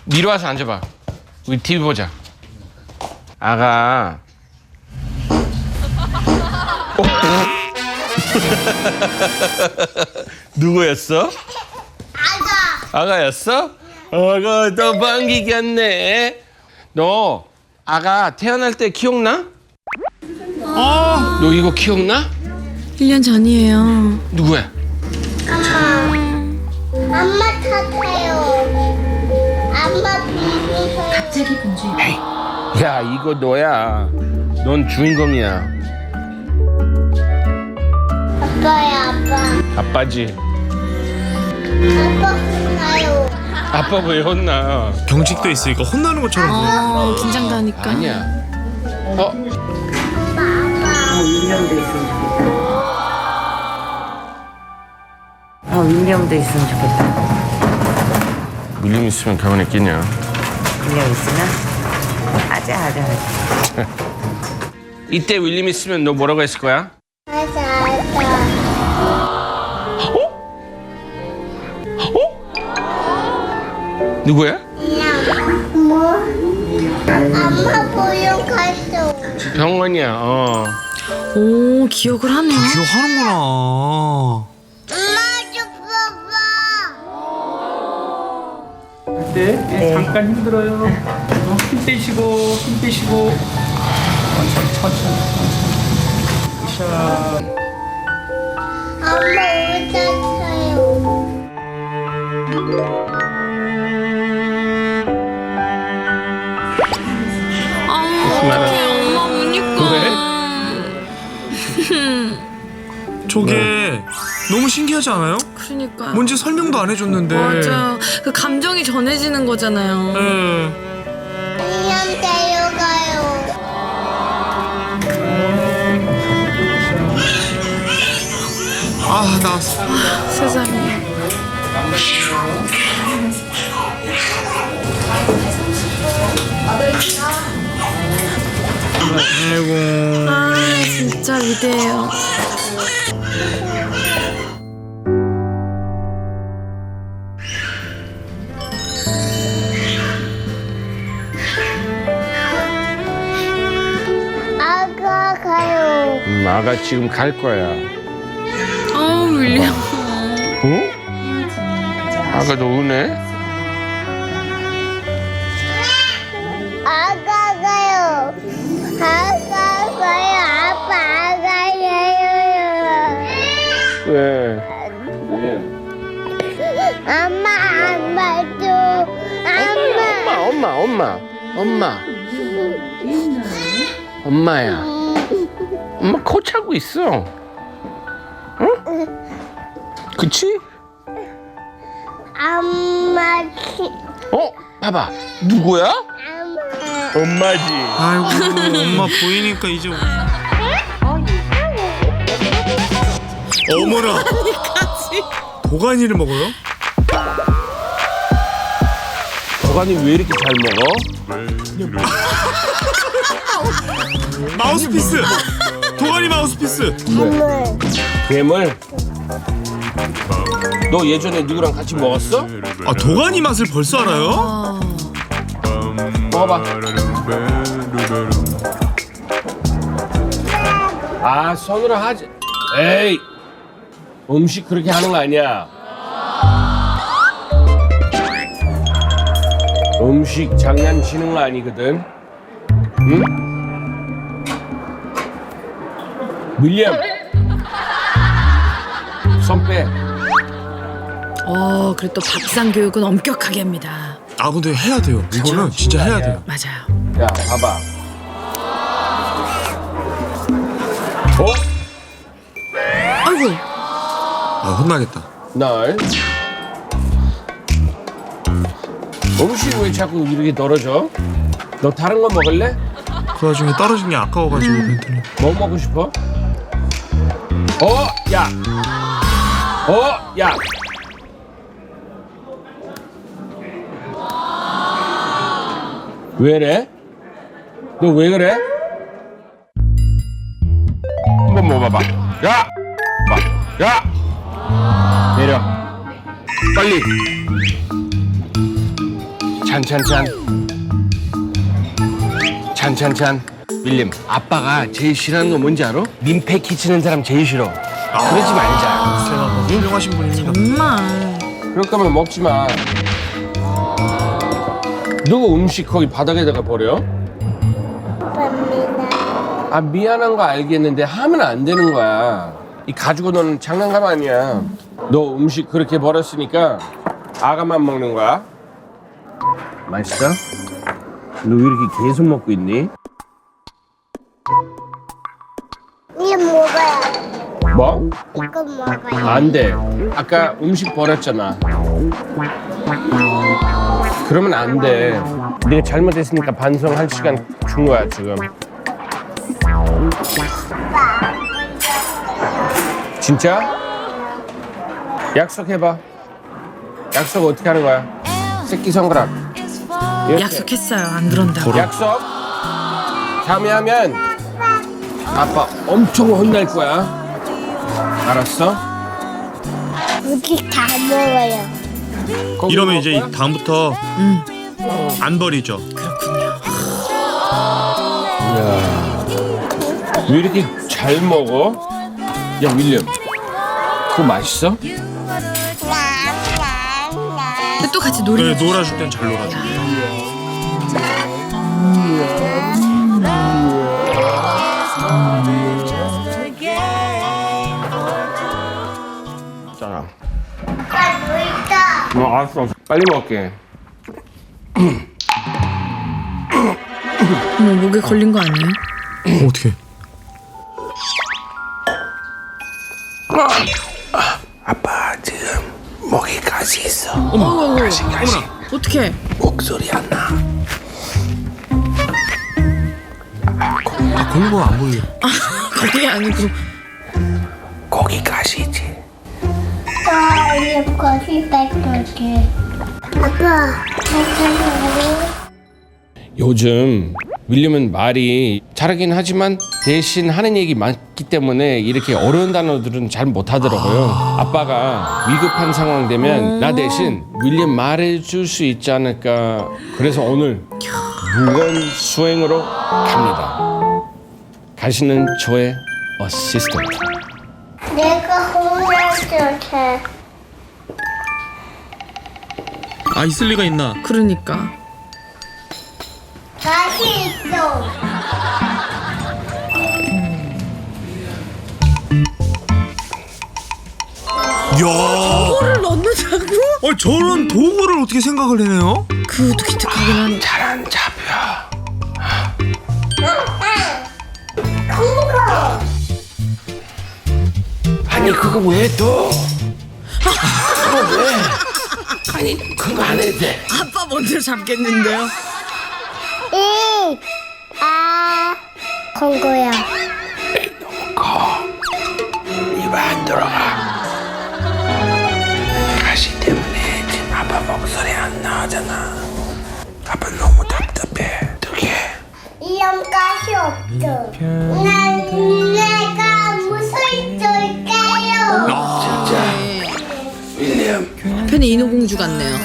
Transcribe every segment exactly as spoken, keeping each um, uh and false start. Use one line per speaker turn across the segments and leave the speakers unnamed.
미리 와서 앉아봐. 우리 티비 보자. 아가. 어? 누구였어?
아가.
아가였어? 아가 너 반기겠네. 너 아가 태어날 때 기억나?
어.
너 이거 기억나?
일 년 전이에요.
누구야?
엄마. 엄마 탔어요. 엄마 비비세요.
갑자기 공주.
에이, 야 이거 너야. 넌 주인공이야.
아빠야 아빠.
아빠지.
아빠 혼나요.
아빠 왜 혼나?
경직도 있으니까 혼나는 것처럼.
어, 긴장도 하니까.
아니야. 어?
아빠.
윈념도 있으면 좋겠다. 어, 윈념도 있으면 좋겠다.
밀림 있으면 가만히 있겠냐?
윈념 있으면 하자 하자 하자.
이때 윌림 있으면 너 뭐라고 했을 거야?
아자 아자.
누구야?
그냥 뭐? 엄마 보러 갔어.
병원이야. 어.
오, 기억을 하네요.
기억하는구나.
엄마 좀 봐봐.
네, 네, 잠깐 힘들어요. 어, 힘 빼시고, 힘 빼시고. 천천히, 천천히, 천천히. 샤.
엄마 옷 샀어요.
아, 어떡해, 엄마 우니까.
저게 너무 신기하지 않아요?
그러니까.
뭔지 설명도 안 해줬는데.
맞아. 그 감정이 전해지는 거잖아요.
예.
그냥 데려가요.
아 나왔어.
세상에.
아이고.
아, 진짜 위대해요.
아가 가요.
음, 아가 지금 갈 거야.
어, 윌리엄.
어? 아가도 우네?
아가 가요. 아가 가요. 아빠 아가예요.
왜?
엄마 엄마도 엄마.
엄마, 엄마, 엄마, 엄마. 엄마야. 엄마 코 차고 있어. 응? 그치?
엄마 키.
어? 봐봐. 누구야?
엄마.
엄마지.
아이고 엄마 보이니까 이제. 어머나. 도가니를 먹어요?
도가니 왜 이렇게 잘 먹어?
마우스피스. 도가니 마우스피스.
선물.
괴물? 너 예전에 누구랑 같이 먹었어?
아 도가니 맛을 벌써 알아요?
아,
먹어봐. 아, 손으로 하지. 에이, 음식 그렇게 하는 거 아니야. 음식 장난치는 거 아니거든. 응? 밀리엄, 손 빼.
어, 그리고 또 밥상 교육은 엄격하게 합니다.
아 근데 해야 돼요. 이거는 진짜 해야 돼요.
맞아요.
야, 봐봐. 어?
아이고.
아 혼나겠다.
날 음식 왜 자꾸 이렇게 떨어져? 너 다른 거 먹을래?
그 와중에 떨어진 게 아까워가지고 그랬더니.
뭐 먹고 싶어? 어, 야, 어, 야. 왜래? 너 왜 그래? 한번 먹어봐. 야, 봐, 야, 내려. 빨리. 찬찬찬. 찬찬찬. 윌리엄, 아빠가 제일 싫어하는 거 뭔지 알아? 민폐 끼치는 사람 제일 싫어. 그러지 말자.
제가 뭐 훌륭하신 분입니다.
정말.
그럴 거면 먹지 마. 누구 음식 거기 바닥에다가 버려?
갑니다.
아, 미안한 거 알겠는데 하면 안 되는 거야. 이 가지고 노는 장난감 아니야. 너 음식 그렇게 버렸으니까 아가만 먹는 거야. 맛있어? 너 왜 이렇게 계속 먹고 있니?
이거 먹어요.
뭐?
이거 먹어요.
안 돼. 아까 음식 버렸잖아. 그러면 안 돼. 네가 잘못했으니까 반성할 시간 준 거야, 지금. 진짜? 약속해봐. 약속 어떻게 하는 거야? 새끼 손가락. 이렇게.
약속했어요. 안 그런다고.
약속. 다음에 하면 아빠 엄청 혼날 거야. 알았어?
음식 다 먹어요.
거기
이러면
먹을
이제
거야?
다음부터 안 버리죠.
왜 이렇게 잘 먹어? 야, 윌리엄, 그거 맛있어?
근데 또 같이 놀이.
네, 놀아줄 땐 잘 놀아줘.
자,
아빠 놀자.
어, 알았어. 빨리 먹을게.
어머, 목에 걸린 거 아니에요?
어, 어떻게?
아빠 지금 목에 가시 있어.
어머, 어머,
가시, 가시.
어떻게?
목소리 안 나.
아, 걸린 안 보여.
그게 아니고.
거기 가시지.
아빠 이거 거기 뺏길게. 아빠 괜찮아요?
요즘 윌리엄은 말이 잘하긴 하지만 대신 하는 얘기 많기 때문에 이렇게 어려운 단어들은 잘 못하더라고요. 아빠가 위급한 상황 되면 나 대신 윌리엄 말해줄 수 있지 않을까. 그래서 오늘 무건 수행으로 갑니다. 가시는 저의 어시스턴트.
내가 혼자줄게.
아, 있을 리가 있나?
그러니까.
다시 있어.
이야.
를 넣는다고?
어, 저런 도구를 어떻게 생각을 해내요?
그것도 기특하긴 하네.
잘안 잡혀.
그거.
아니 그거 왜 또? 그거 왜? 아니 그거 안 해도 돼.
아빠 먼저 잡겠는데요?
이. 아. 건 거야.
너무 커. 입에 안 들어가. 가시 때문에 지금 아빠 목소리 안 나오잖아. 아빠 너무 답답해. 어떡해?
이런 가시 없어. 난 내가 무술 줄게요.
진짜. 윌리엄.
한편의 인어공주 같네요.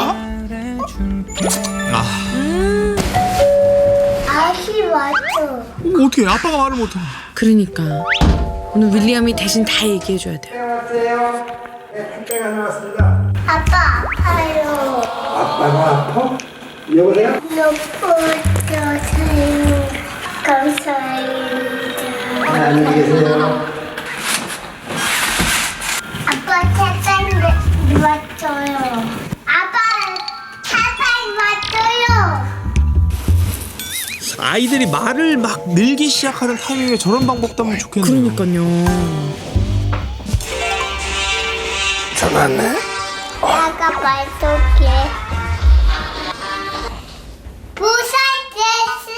아,
아시 왔어.
어떻게 아빠가 말을 못해?
그러니까 오늘 윌리엄이 대신 다 얘기해줘야 돼요.
아빠 아파요.
아빠가 아파? 여보세요?
높아져서요. 감사합니다.
안녕히 계세요.
아빠 차상 왔어요. 아빠 차상 왔어요.
아이들이 말을 막 늘기 시작하는 타이밍에 저런 방법도 하면 좋겠네요.
그러니까요.
전화 왔네?
내가 말쏠게. 부산 제스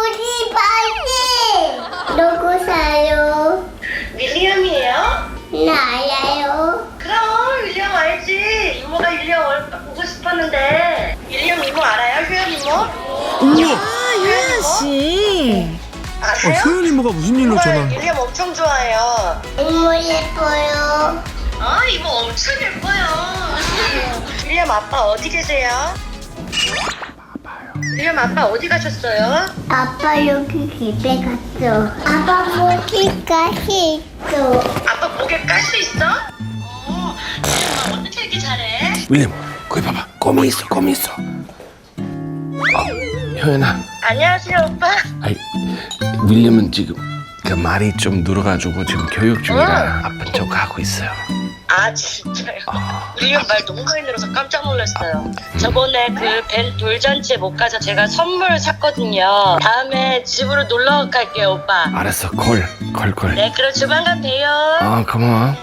우리 빨리. 누구 사요?
윌리엄이에요?
나 알아요.
그럼 윌리엄 알지. 이모가 윌리엄 얼- 보고 싶었는데. 윌리엄 이모 알아요? 효연 이모?
우와!
아, 유연 씨.
어,
아세요?
소연 이모가 무슨 일로 전화?
정말 윌리엄 엄청 좋아해요.
이모 예뻐요.
아 이모 엄청 예뻐요. 윌리엄 아빠 어디 계세요? 윌리엄 아빠 어디 가셨어요?
아빠 여기 집에 갔어. 아빠 모기가 있어.
아빠 목에 가시 있어? 어, 윌리엄 어떻게 이렇게 잘해?
윌리엄, 거기 봐봐. 껌이 있어, 껌이 있어. 어, 효연아.
안녕하세요 오빠.
아이, 윌리엄은 지금 그 말이 좀 늘어가지고 지금 교육 중이라 아픈 척 하고 있어요.
아 진짜요? 윌리엄 말 너무 많이 늘어서 깜짝 놀랐어요. 저번에 그 벤 돌잔치에 못 가서 제가 선물 샀거든요. 다음에 집으로 놀러 갈게요 오빠.
알았어, 콜, 콜, 콜.
네 그럼 조만간 봬요.
아, 고마워.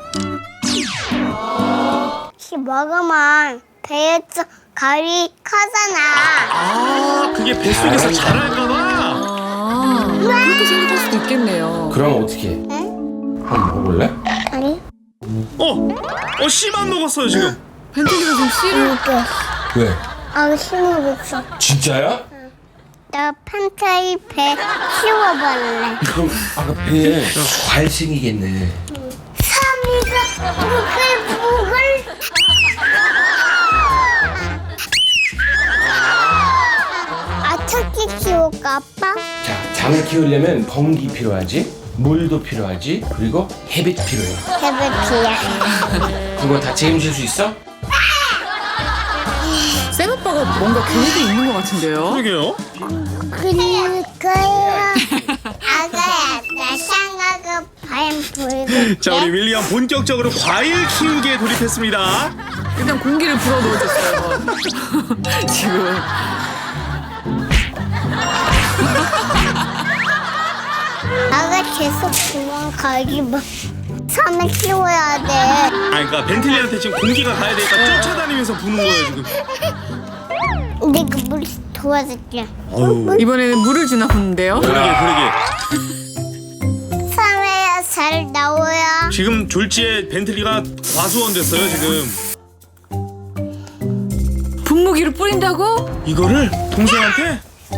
혹시 먹으면 배에서 가위 커잖아.
아 그게 뱃속에서 자랄까봐.
아, 그렇게 생각할 수도 있겠네요.
그럼 어떻게 해? 한번 먹을래?
아니?
어? 어 씨만 먹었어요 지금.
벤틀리가 지금 씨를
이거.
왜?
아, 심어봤어.
진짜야?
나 판타이 배 키워볼래.
그럼 아까 배에 과일 생기겠네.
삼이가 부글부글. 아, 토끼 키울까, 아빠?
자, 장을 키우려면 공기 필요하지, 물도 필요하지, 그리고 햇빛 필요해.
해볼게요.
그거 다 책임질 수 있어?
쌤 오빠가 뭔가 계획이 있는 것 같은데요.
그러게요.
그럴 거야. 아가야, 나 상아가 반 보여줄게.
자 우리 윌리엄 본격적으로 과일 키우기에 돌입했습니다.
일단 공기를 불어 넣어줬어요. 지금.
아가 계속 도망가기 뭐. 섬을 키워야 돼.
아 그러니까 벤틀리한테 지금 공기가 가야 되니까 쫓아다니면서 부는 거예요 지금.
내가 물 도와줄게.
어우.
이번에는 물을 주나 보는데요.
그러게 그러게.
섬에야 잘 나와야.
지금 졸지에 벤틀리가 과수원 됐어요 지금.
분무기를 뿌린다고?
이거를 동생한테?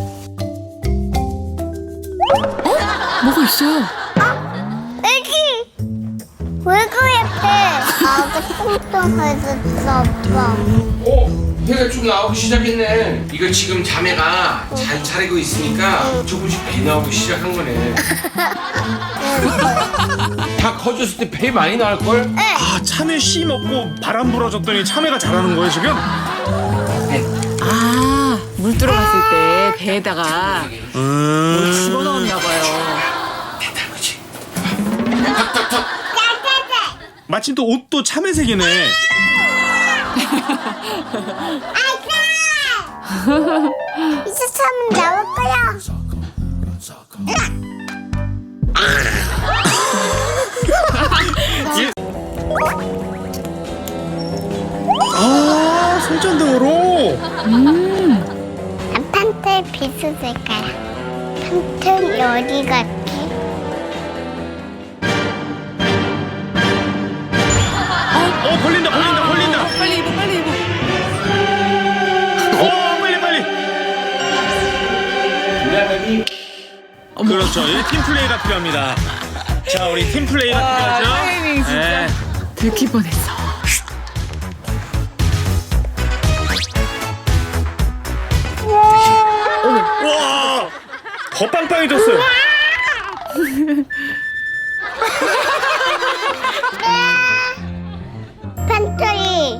뭐가 있어요?
애기! 왜 그래, 배? 아가 뚱뚱해졌어, 아빠.
어, 해가 좀 나오기 시작했네. 이거 지금 자매가 잘 차리고 있으니까 조금씩 배 나오기 시작한 거네. 다 커졌을 때 배 많이 나올 걸?
아 참외 씨 먹고 바람 불어줬더니 참외가 자라는 거예요 지금?
아, 물 들어갔을 때 배에다가 뭘 집어넣었나 봐요.
됐다, 그렇지.
마침 또 옷도 참외색이네.
이제 섬은 나올 거야.
아 손전등으로.
판텔 비슷할까요? 판텔 어디 갔지?
어 걸린다 걸린다 걸린다.
빨리 입어, 빨리 입어.
어 빨리 빨리. 그렇죠. 이 팀플레이가 필요합니다. 자 우리 팀플레이가
와,
필요하죠.
타이밍 진짜.
네.
들킬 뻔했어.
와, 더 빵빵해졌어요.
판텔이.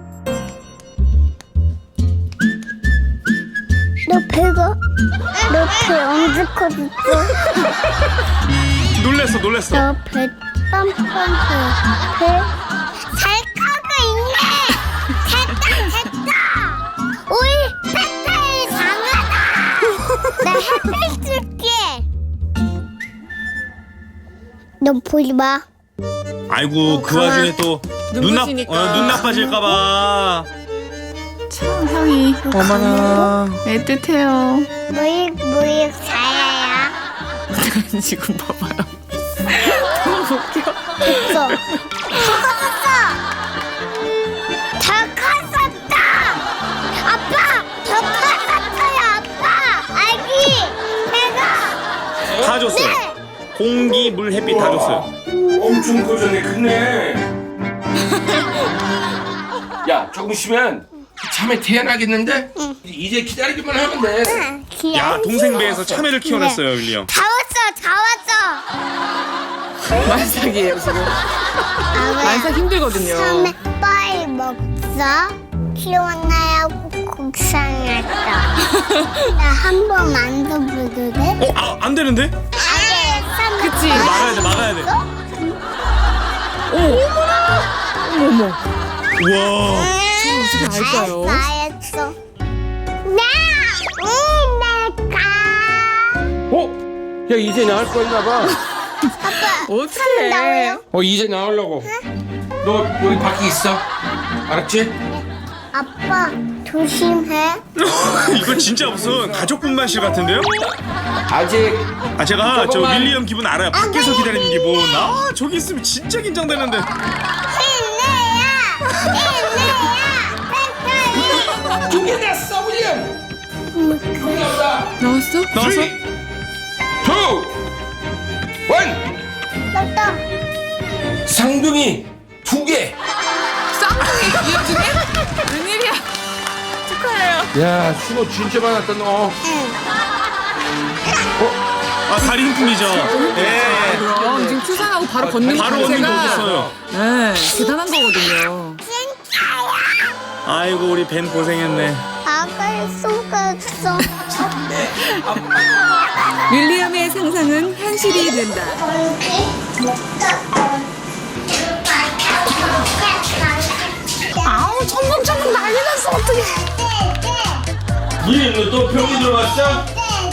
너 배가? 너 배 언제 커졌어?
놀랬어 놀랬어.
너 배 뻔뻔해. 배? 잘 커고 있네. 됐다 됐다. 우리 판텔이 강하다. 나 햇빛 줄게. 너 보지 마.
아이고 그 와중에 또 눈 나,
눈부시니까.
어, 눈 나빠질까봐.
참 향이
어머나.
애틋해요.
무익 무익 사야야.
지금 봐봐요. 너무 웃겨.
됐어. 커졌어. 더 커졌다. 아빠, 더 커졌어요, 아빠. 아기, 배가.
다 줬어요.
네.
공기, 물, 햇빛 다 줬어요.
엄청 커졌네, 크네. 야, 조금 쉬면 참외 태어나겠는데? 이제 기다리기만 하면 돼.
야 동생 배에서 참외를 키워냈어요 윌리엄.
다 왔어, 다 왔어.
만삭이에요 지금. 만삭 힘들거든요.
처음에 빨리 먹자. 키워놔야 국산했다. 나 한 번 만져봐도 돼?
어? 아, 안 되는데?
아재,
그치.
막아야 돼 막아야 돼.
어머.
우와.
어떻게 알까요?
알았어. 나, 응, 내가.
어? 야 이제 나올 거였나 봐.
어떻게?
나와요?
어 이제 나오려고. 너 여기 밖에 있어. 알았지?
아빠, 조심해.
이거 진짜 무슨 가족분만실 같은데요?
아직
아 제가 저
저거만-
윌리엄 기분 알아요. 밖에서 기다리는 기분. 아 저기 있으면 진짜 긴장되는데.
준비됐어 윌리엄. 준비됐다.
나왔어?
나왔어?
쓰리, 투, 원.
나다.
쌍둥이 두 개.
쌍둥이 이 와중에? 웬일이야? 축하해요.
야 수고 진짜 많았다 너.
아 다리 힘 풀리죠. 예.
그럼 지금 출산하고 바로 걷는 거
바로 언니
자체가
거뒀어요.
네, 대단한 거거든요.
아이고 우리 벤 고생했네.
아가를 속았어.
윌리엄의 상상은 현실이 된다.
아우, 천둥천둥 난리 났어, 어떡해.
윌리엄 너또 병이 들어왔어?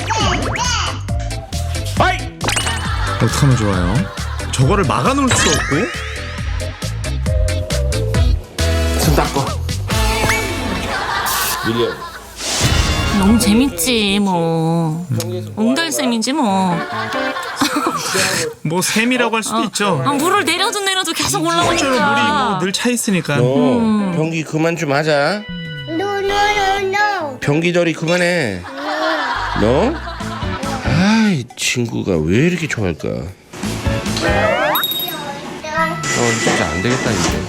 아이.
어떡하면 좋아요? 저거를 막아놓을 수 없고.
손 닦고. 윌리엄.
너무 재밌지 뭐 옹달샘이지 뭐
뭐 샘이라고 할 수도 있죠.
아, 물을 내려도 내려도 계속
실제로 물이
올라오니까
뭐 늘 차 있으니까.
너 변기 그만 좀 하자.
No, no, no, no.
변기더리 그만해. 너? 아이 친구가 왜 이렇게 좋아할까? 어 진짜 안 되겠다 이제.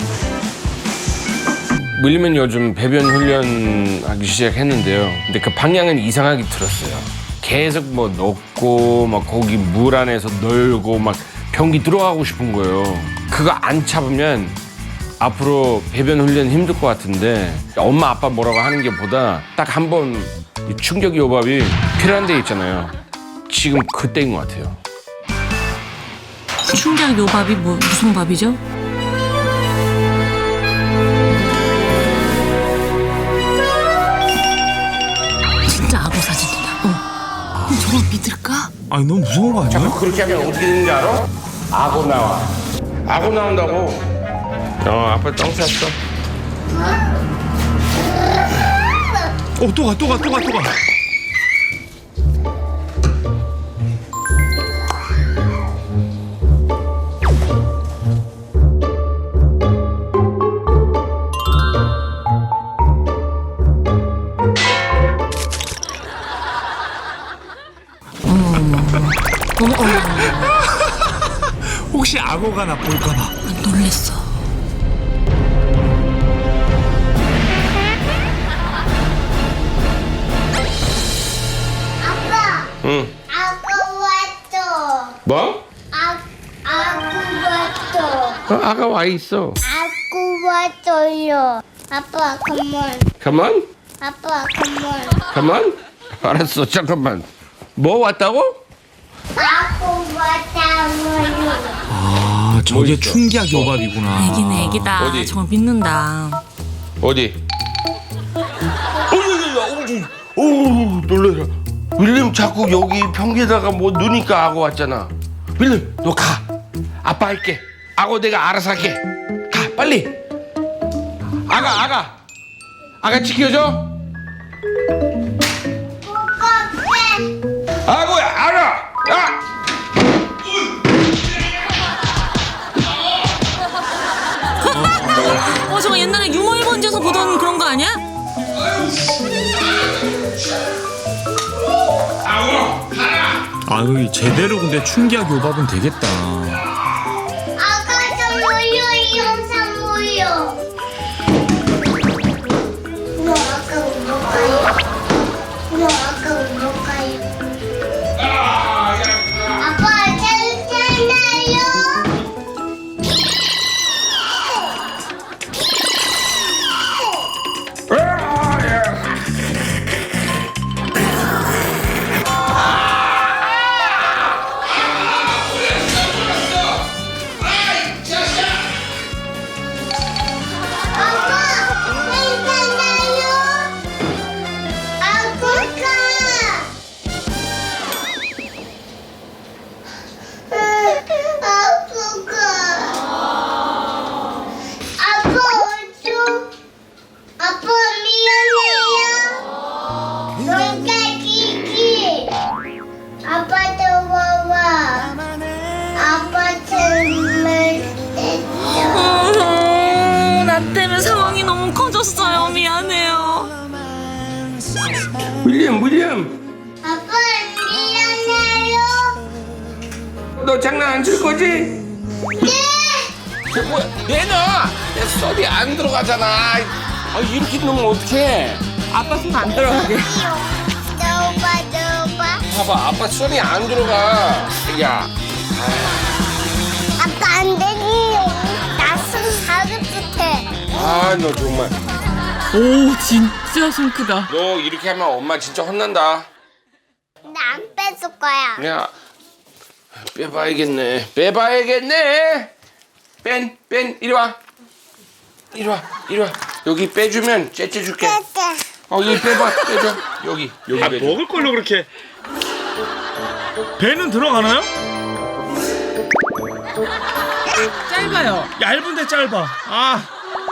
윌리엄은 요즘 배변 훈련하기 시작했는데요. 근데 그 방향은 이상하게 틀었어요. 계속 뭐 넣고 막 거기 물 안에서 놀고 막 변기 들어가고 싶은 거예요. 그거 안 참으면 앞으로 배변 훈련 힘들 것 같은데 엄마 아빠 뭐라고 하는 게 보다 딱 한 번 충격 요법이 필요한 데 있잖아요. 지금 그때인 것 같아요.
충격 요밥이 뭐 무슨 밥이죠? 진짜 악어 사진이다. 어. 그럼 저걸 믿을까?
아니 너무 무서운 거 아니야?
자꾸 그렇게 하면 어떻게 되는지 알아? 악어 나와. 악어 나온다고. 어 아빠 똥 쌌어.
어 또 가 또 가 또 가 또 가.
어머 어머
혹시 악어가 나 볼까봐.
놀랬어.
아빠,
응.
아까 왔어.
뭐?
아, 아구 왔어.
어, 아가 와 있어.
아구 왔어요. 아빠, come on.
Come on,
아빠, come on.
come on. 알았어. 잠깐만. 뭐 왔다고?
아구 왔다고요.
아 저게
있어?
충격 요밥이구나.
애기는 애기다.
어디?
정말 믿는다.
어디? 어머머머, 어우 놀래라. 윌리엄 자꾸 여기 변기에다가 뭐 넣으니까 악어 왔잖아. 윌리엄 너 가. 아빠 할게. 악어 내가 알아서 할게. 가 빨리. 아가 아가. 아가 지켜줘. 악어야 알아. 야.
어 저거 옛날에 유머 일본지에서 보던 그런 거 아니야?
아유 제대로 근데 충격 요밥은 되겠다.
아가 좀 모여, 이 영상 모여.
윌리엄 윌리엄
아빠 미안해요.
너 장난 안 칠 거지? 네. 저 뭐야? 내놔. 내 손이 안 들어가잖아. 아 이렇게 넣으면 어떡해?
아빠 손 안 들어가게.
넣어봐 넣어봐.
봐봐 아빠 손이 안 들어가. 야.
아빠 안 되지요. 나손 가급듯해.
아 너 정말.
오 진짜 손 크다.
너 이렇게 하면 엄마 진짜 혼난다.
나 안 뺏을 거야.
야. 빼봐야겠네. 빼봐야겠네. 뺀, 뺀, 이리 와. 이리 와, 이리 와. 여기 빼주면 째째 줄게. 어, 여기 빼봐, 빼줘. 여기, 여기
아
빼줘.
먹을 걸로 그렇게. 배는 들어가나요?
짧아요.
얇은데 짧아. 아.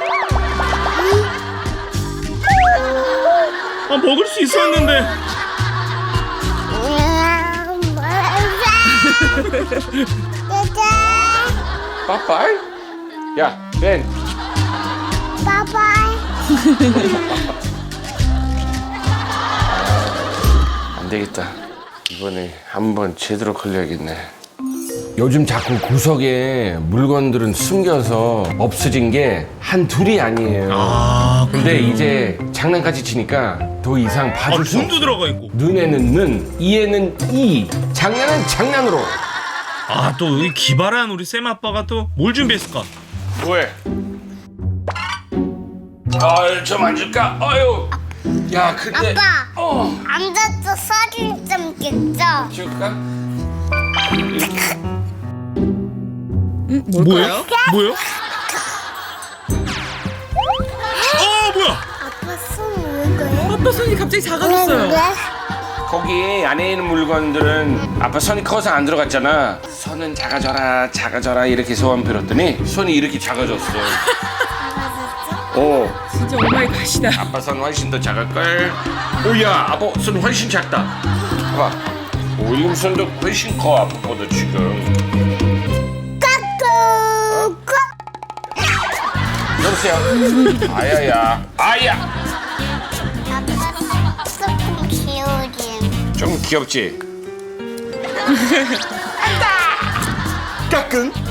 아 먹을 수 있었는데.
빠빠이? 야, 뺀.
바이바이.
안 되겠다. 이번에 한번 제대로 걸려야겠네. 요즘 자꾸 구석에 물건들은 숨겨서 없어진 게 한 둘이 아니에요.
아
근데 이제 장난까지 치니까 더 이상
아
봐줄 수 없어.
돈도 들어가 있고.
눈에는 는, 이에는 이, 장난은 장난으로.
아 또 이 기발한 우리 쌤 아빠가 또 뭘 준비했을까?
뭐해? 아유, 좀 앉을까? 아유. 야, 근데.
아빠.
어.
앉아서 사진 좀 찍자.
찍을까?
응, 뭘까요?
뭐예요? 어 뭐야?
아빠 손왜 그래?
아빠 손이 갑자기 작아졌어요.
거기 안에 있는 물건들은 아빠 손이 커서 안 들어갔잖아. 손은 작아져라, 작아져라 이렇게 소원 빌었더니 손이 이렇게 작아졌어. 어.
진짜 오마이 갓이다.
아빠 손 훨씬 더 작을걸? 오야, 아빠 손 훨씬 작다. 봐봐. 윌리엄 손도 훨씬 커, 아빠보다 지금.
까꿍.
여보세요? 아야야. 아야!
아빠 조금 귀여우지.
좀 귀엽지? 까꿍?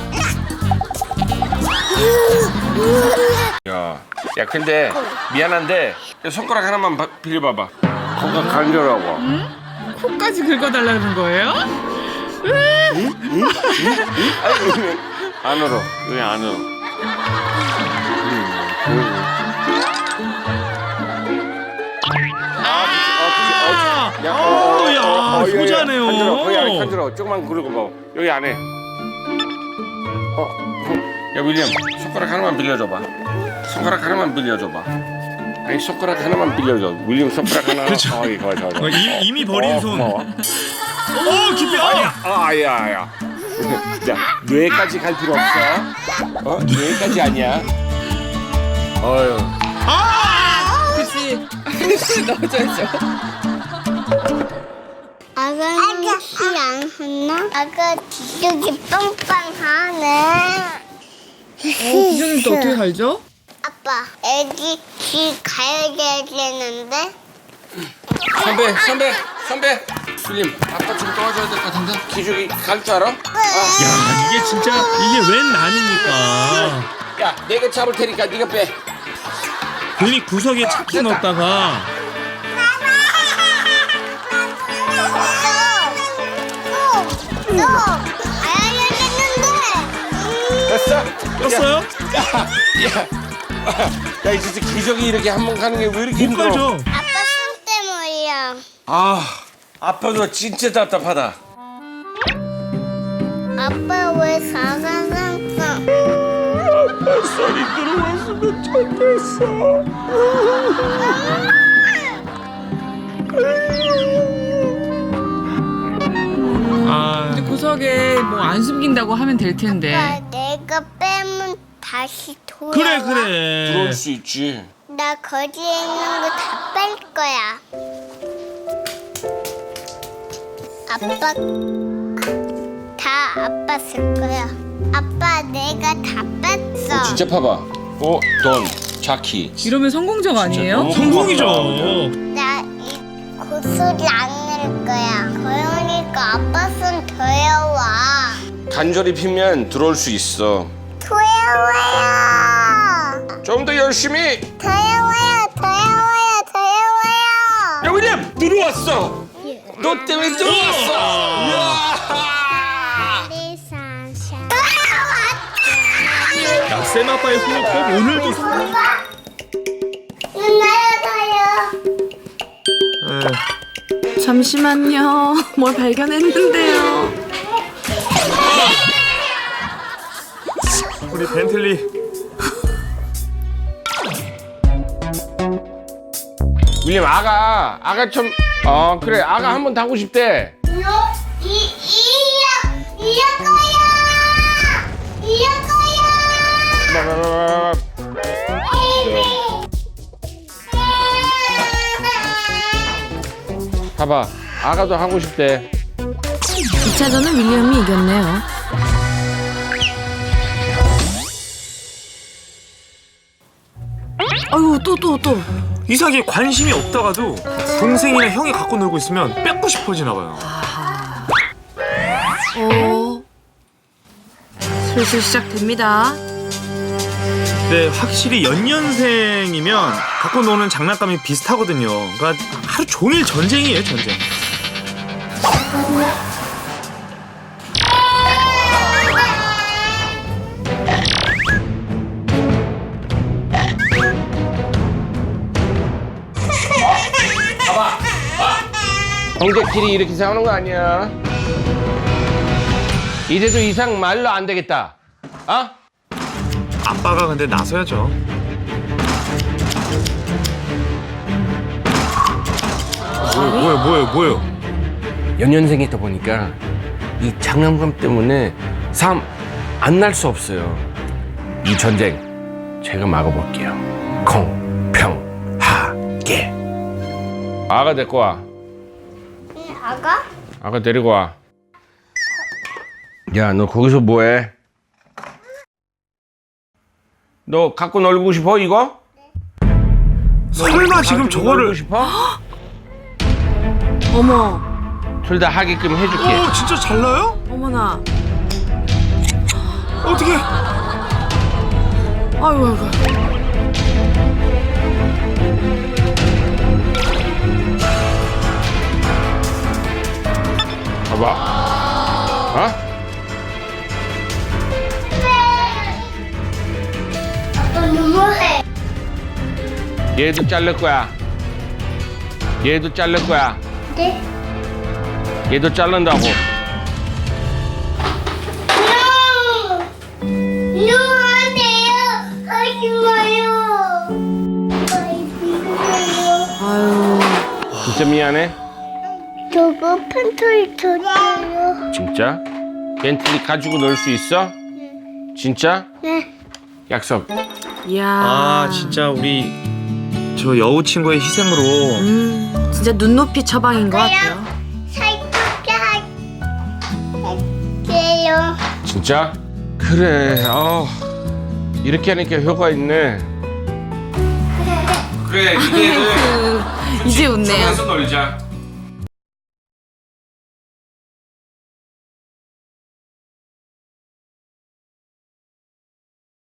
야, 야 근데 미안한데 손가락 하나만 바, 빌려봐봐. 코가 간절하고.
코까지 긁어달라는 거예요?
아니, 안으로, 여기 안으로.
아,
야,
어, 야,
여기, 여기.
효자네요.
간절어, 거기 안에 간절어. 조금만 굴리고 봐. 여기 안에. 어, 야 윌리엄, 손가락 하나만 빌려줘봐. 손가락 하나만 빌려줘봐. 아니 손가락 하나만 빌려줘. 윌리엄 손가락 하나.
그쵸.
어, 이거 좋아, 좋아.
어, 이, 이미 버린
어,
손.
고마워.
오 깊이. 아,
아, 아야, 아야. 자, 뇌까지 갈 필요 없어. 어, 뇌까지 아니야. 어휴.
아!
그치. 손 넣어줘야죠.
아가 귀안 했나? 아가 뒤쪽이 빵빵하네.
어, 기준님 또 어떻게 살죠?
아빠, 애기 귀 가야 되는데.
선배, 선배, 선배. 윌리엄, 아빠 좀 도와줘야 될 것 같은데. 기죽이 갈 줄 알아?
야 이게 진짜 이게 웬 난입니까?
야, 내가 잡을 테니까 네가 빼.
괜히 구석에 차키 넣었다가
너, 너, 가야 되는데.
됐어?
떴어요?
야, 야, 이 진짜 기적이 이렇게 한 번 가는 게 왜 이렇게
못
힘들어?
가죠.
아빠 손 때문이야.
아, 아빠도 진짜 답답하다.
아빠 왜 사과상상?
소리 들어왔으면 좋겠어.
아
근데 구석에 뭐 안 숨긴다고 하면 될 텐데.
아빠, 내가 빼면 다시 돌아와.
그래 그래.
들어올 수 있지.
나 거기에 있는 거 다 뺄 거야. 아빠 다 아빠 쓸 거야. 아빠 내가 다 뺐어.
진짜 봐봐. 어, 돈, 차키.
이러면 성공적 아니에요?
너무
성공이죠.
고맙다.
나 목소리 안 낼 거야. 더여우니까 아빠 손 더여워.
간절히 피면 들어올 수 있어.
더여워요.
좀 더 열심히.
더여워요. 더여워요. 더여워요.
야 윌리엄 들어왔어. 너 때문에 들어왔어.
야, 쌤 아빠의 손을 꼭 오늘도 손. 에,
잠시만요. 뭘 발견했는데요.
우리 벤틀리.
윌리엄 아가 아가 좀 어 그래 아가 한번 타고 싶대.
이, 이, 이야, 이야 거야. 이야 거야.
봐봐 아가도 하고 싶대.
이 차전은 윌리엄이 이겼네요. 아유, 또, 또, 또.
이상하게 관심이 없다가도 동생이나 형이 갖고 놀고 있으면 뺏고 싶어지나 봐요.
어. 슬슬 시작됩니다.
근데 확실히 연년생이면 갖고 노는 장난감이 비슷하거든요. 그러니까 하루 종일 전쟁이에요, 전쟁.
형제끼리 이렇게 싸우는 거 아니야. 이제도 이상 말로 안 되겠다. 어?
아빠가 근데 나서야죠. 뭐예요, 뭐예요, 뭐예요, 뭐예요?
연년생이다 보니까 이 장난감 때문에 싸움 안 날 수 없어요. 이 전쟁 제가 막아볼게요. 공평하게. 아가 데리고 와.
아가?
아가 데리고 와. 야, 너 거기서 뭐해? 너 갖고 놀고 싶어 이거?
설마 지금
가지고
저거를
놀고 싶어?
어머,
둘 다 하게끔 해줄게.
오, 진짜 잘 나요?
어머나.
어떻게?
아이고, 아이고.
봐봐. 어?
아빠 너무해.
얘도 자를 거야. 얘도 자를 거야.
네?
얘도 자른다고.
No! No, 안 돼요. 하지 마요.
아유.
진짜 미안해.
저거 팬토리 줬어요.
진짜? 벤틀리 가지고 놀 수 있어? 진짜?
네.
약속.
이야.
아, 진짜 우리 저 여우 친구의 희생으로
음, 진짜 눈높이 처방인 것 같아요.
살게 할게요.
진짜? 그래. 어. 이렇게 하니까 효과 있네. 그래, 이제는
이제 웃네요.
놀자.